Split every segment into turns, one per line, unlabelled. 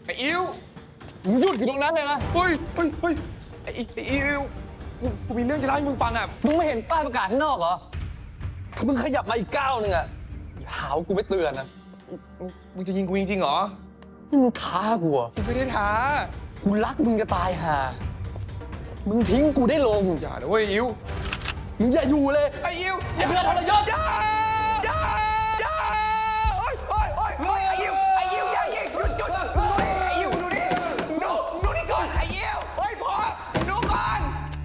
อ้อิว
มึงหยุดอยู่ตรงนั้นเลยนะ
เฮ้ยไอ้อิวกูมีเรื่องจะเล่าให้มึงฟังอ่ะ
มึงไม่เห็นป้ายประกาศข้างนอกเหรอถ้ามึงขยับมาอีกก้าวนึงอะหาว่ากูไม่เตือนนะ
มึงจะยิงกูจริงๆเหรอ
นี่มึงท้ากูอะ
กูไม่ได้ท้า
กูรักมึงจะตายห่ามึงทิ้งกูได้ลง
อย่านะเว้ยอิว
มึงอย่าอยู่เลย
ไอ้อิว
ไอ้เพื่อนทรยศ
อย่าโอ๊ยไอ้อิวอย่ายิงหยุดไอ้อิวดูนี่ดูนี่ก่อนไอ้อิวเฮ้ยพอดูก่อน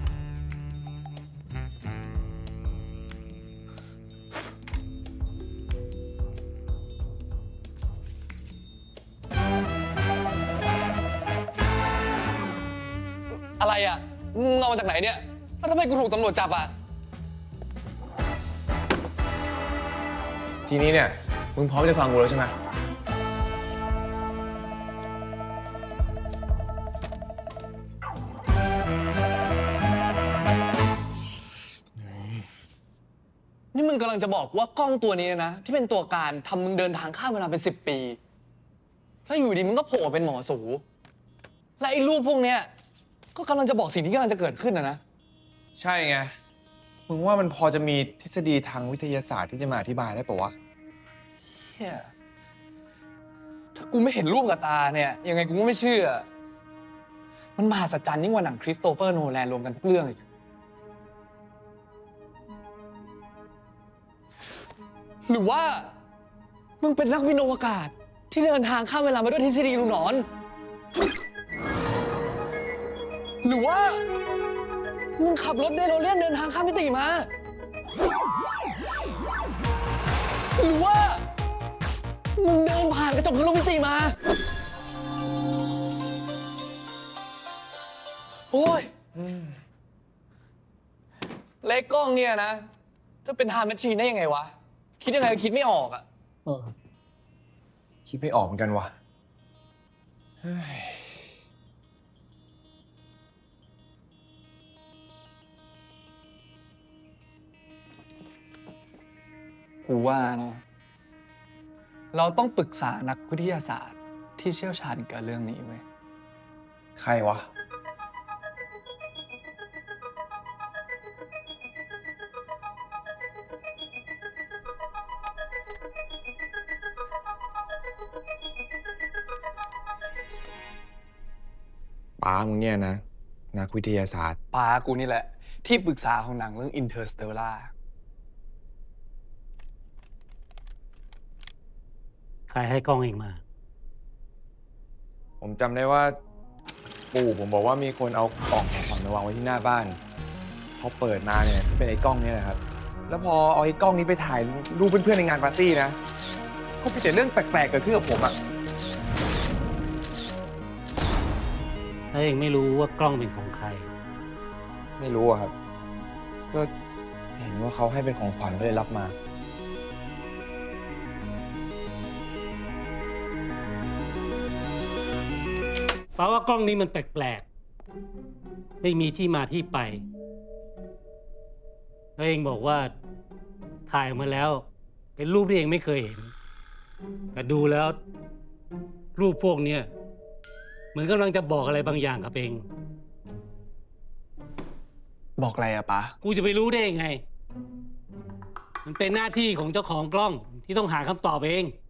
อะไรอะมึงเอามาจากไหนเนี่ยแล้วทำไมกูถูกตำรวจจับอะ
ทีนี้เนี่ยมึงพร้อมจะฟังกูแล้วใช่ไหม
นี่มึงกำลังจะบอกว่ากล้องตัวนี้นะที่เป็นตัวการทำมึงเดินทางข้ามเวลาเป็น10 ปีแล้วอยู่ดีมึงก็โผล่เป็นหมอสูและไอ้รูปพวกเนี้ยก็กำลังจะบอกสิ่งที่กำลังจะเกิดขึ้นนะ
ใช่ไงมึงว่ามันพอจะมีทฤษฎีทางวิทยาศาสตร์ที่จะมาอธิบายได้ปะวะ
เฮียถ้ากูไม่เห็นรูปกับตาเนี่ยยังไงกูก็ไม่เชื่อ มันมหัศจรรย์ยิ่งกว่าหนังคริสโตเฟอร์โนแลนรวมกันทุกเรื่องอีกหรือว่ามึงเป็นนักบินอวกาศที่เดินทางข้ามเวลามาด้วยทฤษฎีลูกหนอน หรือว่ามึงขับรถเดโรเลียนเดินทางข้ามมิติมา หรือว่ามึงเดินผ่านกระจกทะลุมิติมา โอ้ยเล็กกล้องเนี่ยนะ จะเป็นไทม์แมชชีนได้ยังไงวะ คิดยังไงก็คิดไม่ออกอะ
คิดไม่ออกเหมือนกันวะเฮ้ย
กูว่านะเราต้องปรึกษานักวิทยาศาสตร์ที่เชี่ยวชาญกับเรื่องนี้เว้ย
ใครวะป้ามึงเนี่ยนะ นักวิทยาศาสตร์
ปากูนี่แหละ ที่ปรึกษาของหนังเรื่อง Interstellar
ใครให้กล้องเองมา
ผมจำได้ว่า ปู่ผมบอกว่ามีคนเอากล่องของขวัญมาวางไว้ที่หน้าบ้านพอเปิดมาเนี่ยก็เป็นไอ้กล้องเนี่ยแหละครับ แล้วพอเอาไอ้กล้องนี้ไปถ่ายรูปเพื่อนๆในงานปาร์ตี้นะก็มีแต่เรื่องแปลกๆเกิดขึ้นกับผมอะ
ถ้าเองไม่รู้ว่ากล้องเป็นของใคร
ไม่รู้อะครับ ก็เห็นว่าเขาให้เป็นของขวัญก็เลยรับมา
เพราะว่ากล้องนี้มันแปลกๆ ไม่มีที่มาที่ไปแล้วเองบอกว่าถ่ายออกมาแล้ว เป็นรูปที่เองไม่เคยเห็น แต่ดูแล้ว รูปพวกเนี้ยเหมือนกำลังจะบอกอะไรบางอย่างกับเอง
บอกอะไรอะปา
กูจะไปรู้ได้ยังไง มันเป็นหน้าที่ของเจ้าของกล้องที่ต้องหาคำตอบเอง